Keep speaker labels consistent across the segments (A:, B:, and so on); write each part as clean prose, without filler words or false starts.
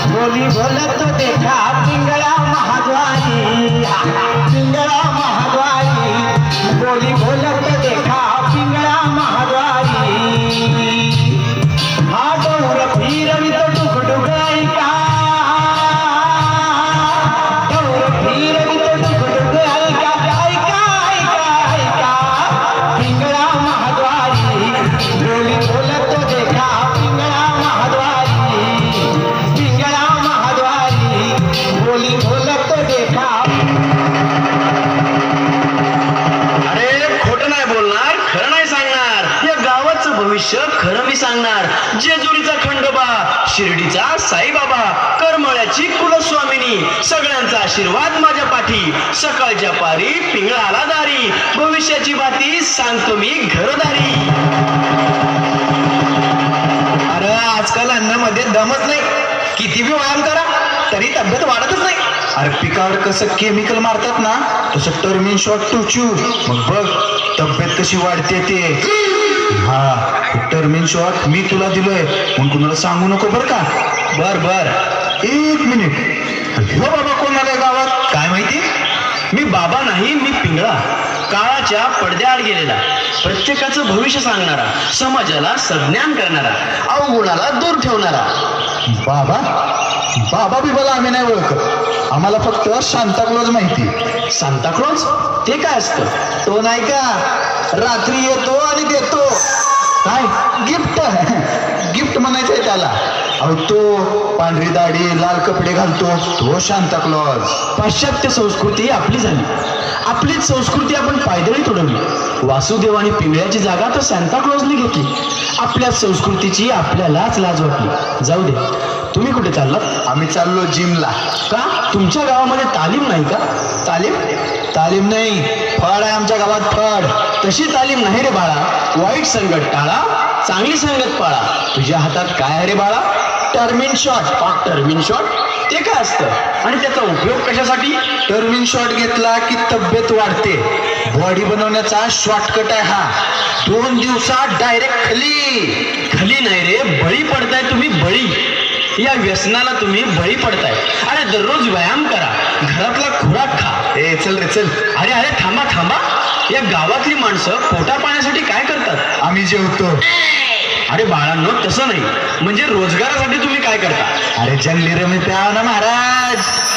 A: बोली बोलत देखा पिंगळा महाद्वारी, पिंगळा महाद्वारी, बोली बोलत देखा पिंगळा महाद्वारी. हा गौर फिरवित डुकडुक ऐका, गौर फिरवित डुकडुक ऐका, ऐका ऐका ऐका पिंगळा महाद्वारी. बोली बोलत देखा पिंगळा महाद्वारी, पिंगळा महाद्वारी, बोली बोलत देखा.
B: अरे खोटं नाही बोलणार, खरं नाही सांगणार. या गावाचं भविष्य खरं मी सांगणार. जेजुरीचा खंडोबा, शिर्डीचा साईबाबा, करमळ्याची कुलस्वामिनी, सगळ्यांचा आशीर्वाद माझ्या पाठी. सकाळच्या पारी पिंगळाला दारी, भविष्याची बाती सांगतो मी घरदारी.
A: अरे आजकाल अन्नामध्ये दमच नाही, किती बी व्यायाम करा तरी तब्येत वाढतच नाही. अरे पिकावर कसं केमिकल मारतात ना, तसं टर्मिन शॉट टोचू, मग बघ तब्येत कशी वाढते ते. हा टर्मिन शॉट मी तुला दिलोय, मग कुणाला सांगू नको बर का. बर बर, एक मिनिट. हो बाबा कोण आलाय गावात काय माहिती.
B: मी बाबा नाही, मी पिंगळा, काळाच्या पडद्याआड गेलेला, प्रत्येकाचं भविष्य सांगणारा, समाजाला सज्ञान करणारा, अवगुणाला दूर ठेवणारा.
A: बाबा बाबा बिबाला आम्ही नाही ओळखत, आम्हाला फक्त सांताक्लॉज माहिती.
B: सांताक्लॉज ते काय असतं?
A: तो नाही का रात्री येतो आणि देतो काय गिफ्ट, गिफ्ट म्हणायचंय त्याला. अहो तो पांढरी दाढी लाल कपडे घालतो तो सांताक्लॉज.
B: पाश्चात्य संस्कृती आपली झाली, आपलीच संस्कृती आपण पायदळी तोडवली. वासुदेव आणि पिंगळ्याची जागा तर सांताक्लॉजने घेतली. आपल्या संस्कृतीची आपल्यालाच लाज वाटली. जाऊ दे, तुम्ही कुठे चाललात?
A: आम्ही चाललो जिमला.
B: का? तुमच्या गावामध्ये तालीम नाही का?
A: तालीम? तालीम नाही, फळ आहे आमच्या गावात, फळ.
B: तशी तालीम नाही रे बाळा. वाईट संगत टाळा, चांगली संगत पाळा. तुझ्या हातात काय आहे रे बाळा?
A: टर्मिन शॉट.
B: टर्मिन शॉट ते काय असतं आणि त्याचा उपयोग कशासाठी?
A: टर्मिन शॉट घेतला की तब्येत वाढते. बॉडी बनवण्याचा शॉर्टकट आहे हा. 2 दिवसात डायरेक्ट खाली.
B: खाली नाही रे, बळी पडताय तुम्ही, बळी. या व्यसनाला तुम्ही बळी पडताय. अरे दररोज व्यायाम करा, घरातला खुराक खा.
A: ए चल रे चल.
B: अरे अरे थांबा थांबा, या गावातली माणसं पोटा पाण्यासाठी काय करतात?
A: आम्ही जेवतो.
B: अरे बाळांनो तसं नाही, म्हणजे रोजगारासाठी तुम्ही काय करता?
A: अरे जंगली रमी प्याव ना महाराज.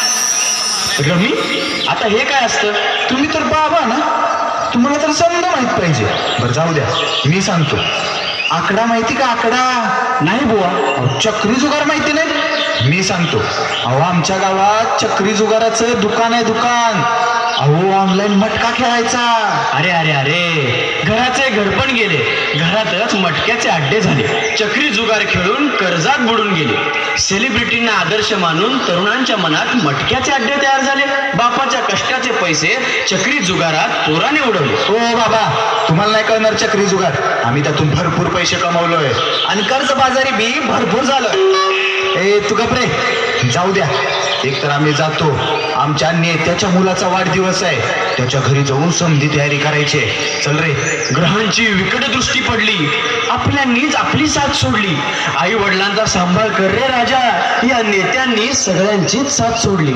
B: रमी? आता हे काय असतं?
A: तुम्ही तर बाबा ना, तुम्हाला तर समजा माहित पाहिजे. बरं जाऊ द्या, मी सांगतो. आकडा माहिती का? आकडा
B: नाही बुवा.
A: अहो, चक्री जुगार माहिती नाही? मी सांगतो. अहो आमच्या गावात चक्री जुगाराचं दुकान आहे, दुकान. अहो ऑनलाईन मटका खेळायचा.
B: अरे अरे अरे, घराचे घरपण गेले, घरातच मटक्याचे अड्डे झाले. चक्री जुगार खेळून कर्जात बुडून गेले. सेलिब्रिटींना आदर्श मानून तरुणांच्या मनात मटक्याचे अड्डे तयार झाले. बापाच्या कष्टाचे पैसे चक्री जुगारात चोराने उडवले.
A: हो बाबा, तुम्हाला नाही कळणार चक्री जुगार. आम्ही त्यातून भरपूर पैसे कमवलोय आणि कर्जबाजारी बी भरपूर झालं. ए तू गप रे, जाऊ द्या. एक तर आम्ही जातो, आमच्या नेत्याच्या मुलाचा वाढदिवस आहे, त्याच्या घरी जाऊन समधी तयारी करायची. चल रे.
B: ग्रहांची विकट दृष्टी पडली, आपल्यांनीच आपली साथ सोडली. आई वडिलांचा सांभाळ कर रे राजा, या नेत्यांनी सगळ्यांचीच साथ सोडली.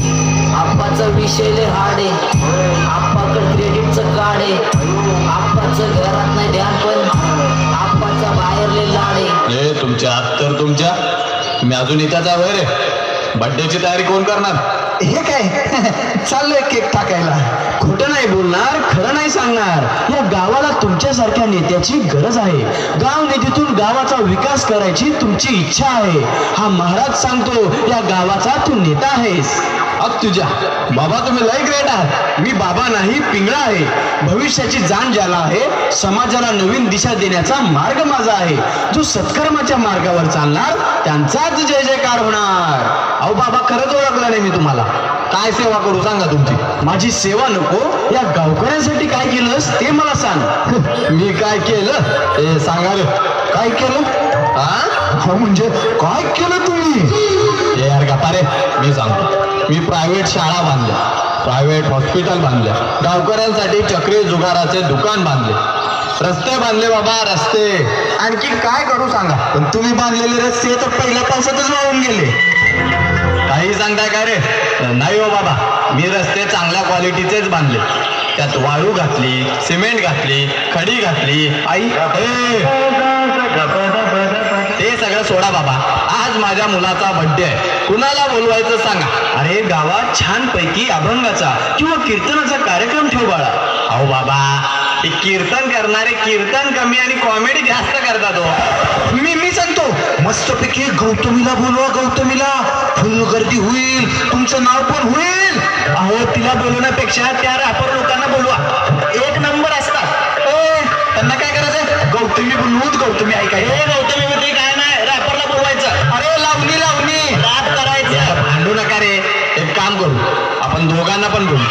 C: आप्पाचं विषय लय हार्ड आहे, आप्पाकडे क्रेडिटचं कार्ड आहे, आप्पाचं घरात नाही ध्यान पण आप्पाचा बाहेर लय लाड आहे.
D: हे तुमच्या तर तुमच्या, मी अजून इथं वय रे. बर्थडेची तयारी कोण करणार?
A: हे काय चाललंय केक टाकायला.
B: खोटं नाही बोलणार, खरं नाही सांगणार. या गावाला तुमच्यासारख्या नेत्याची गरज आहे. गाव निधीतून गावाचा विकास करायची तुमची इच्छा आहे. हा महाराज सांगतो, या गावाचा तू नेता आहेस.
D: अग तुझ्या बाबा, तुम्ही लय ग्रेट आहात.
B: मी बाबा नाही, पिंगळा आहे. भविष्याची जाण ज्याला आहे, समाजाला नवीन दिशा देण्याचा मार्ग माझा आहे. जो सत्कर्माच्या मार्गावर चालणार त्यांचाच जय जयकार होणार. अहो बाबा, खरंच ओळखलं नाही मी तुम्हाला.
D: काय सेवा करू सांगा तुमची?
B: माझी सेवा नको, या गावकऱ्यांसाठी काय केलंस ते मला सांग.
D: मी काय केलं ते सांगा रे.
A: काय केलं?
D: हा
A: म्हणजे काय केलं तुम्ही?
D: हे यार गप्पा रे, मी सांगतो. मी प्रायव्हेट शाळा बांधल्या, प्रायव्हेट हॉस्पिटल बांधल्या, गावकऱ्यांसाठी चक्री जुगाराचे दुकान बांधले, रस्ते बांधले बाबा, रस्ते.
A: आणखी काय करू सांगा. पण तुम्ही बांधलेले रस्ते तर पहिल्या पावसातच वाहून गेले.
D: सांगताय काय रे? नाही हो बाबा, मी रस्ते चांगल्या क्वालिटीचेच बांधले. त्यात वाळू घातली, सिमेंट घातली, खडी घातली. आई ते सगळं सोडा बाबा. आज माझ्या मुलाचा बर्थडे आहे, कुणाला बोलवायचं सांगा.
B: अरे गावात छान पैकी अभंगाचा किंवा कीर्तनाचा कार्यक्रम ठेव बाळा.
D: अहो बाबा, हे कीर्तन करणारे कीर्तन कमी आणि कॉमेडी जास्त करतात हो.
A: मी सांगतो, मस्तपैकी गौतमीला बोलवा. गौतमीला फुल गर्दी होईल, तुमचं नाव पण होईल.
B: अहो तिला बोलवण्यापेक्षा त्या रॅपर लोकांना बोलवा, एक नंबर असतात.
A: त्यांना काय करायचं? गौतमी बोलवूच. गौतमी ऐकाय.
B: गौतमी मध्ये काय नाही, रॅपरला बोलवायचं.
A: अरे लावणी लावणी
B: रॅप करायचं.
D: यार, भांडू नका रे. एक काम करू, आपण दोघांना पण बोलू.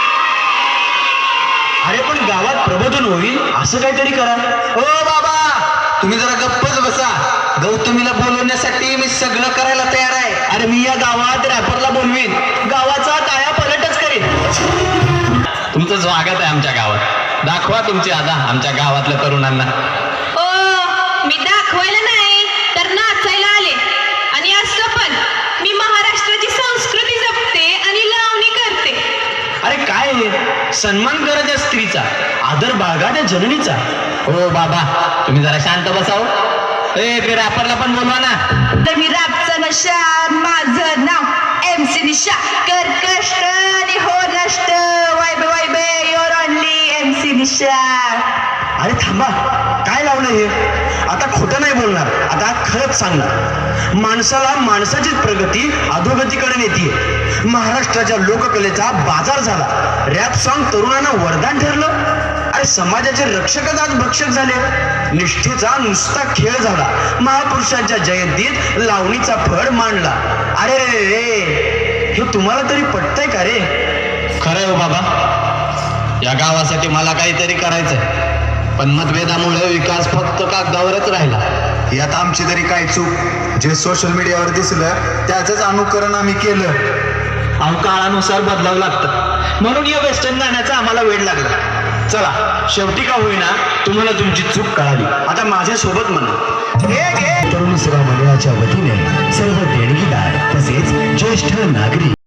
B: अरे पण गावात प्रबोधन होईल असं काहीतरी करा.
A: ओ बाबा, तुम्ही जरा गप्पच बसा. गौतमीला बोलवण्यासाठी मी सगळं करायला तयार आहे.
B: अरे मी या गावात रॅपरला बोलवीन, गावाचा काया पलटच करीन.
D: तुमचं स्वागत आहे आमच्या गावात. दाखवा तुमची अदा आमच्या गावातल्या तरुणांना.
E: ओ मी दाखवायला नाही तर नाचायला आले. आणि असं पण मी महाराष्ट्राची संस्कृती जपते आणि लावणी करते.
B: अरे काय हे? सन्मान करा त्या स्त्रीचा, आदर बाळगा त्या जननीचा.
D: हो बाबा, तुम्ही जरा शांत बसाव. ते रॅपरला पण बोलवा ना.
E: तर मी रॅपचा नशा, माझं नाव MC दिशा. कर कष्ट आणि हो नष्ट, vibe vibe your only MC Disha.
B: अरे थांबा, काय लावलं हे? आता खोटं नाही बोलणार, आता खरंच सांगणार. माणसाला माणसाचीच प्रगती अधोगतीकडे नेतीये. महाराष्ट्राच्या लोककलेचा बाजार झाला. रॅप सॉन्ग तरुणांना वरदान ठरलं. अरे समाजाचे रक्षकच आज भक्षक झाले. निष्ठेचा नुसता खेळ झाला. महापुरुषांच्या जयंतीत लावणीचा फळ मांडला. अरे रे रे, हे तुम्हाला तरी पटतंय का रे?
D: खरंय हो बाबा, या गावासाठी मला काहीतरी करायचंय. पण मतभेदामुळे विकास फक्त कागदावरच राहिला.
A: यात आमची तरी काय चूक? जे सोशल मीडियावर दिसलं त्याच अनुकरण आम्ही केलं.
B: अहो काळानुसार बदलावं लागतं, म्हणून या वेस्टर्न गाण्याचा आम्हाला वेळ लागला. चला, शेवटी का होईना तुम्हाला तुमची चूक कळाली. आता माझ्या सोबत म्हणा.
F: तरुण सेवा मंडळाच्या वतीने सर्व देणगीदार तसेच ज्येष्ठ नागरिक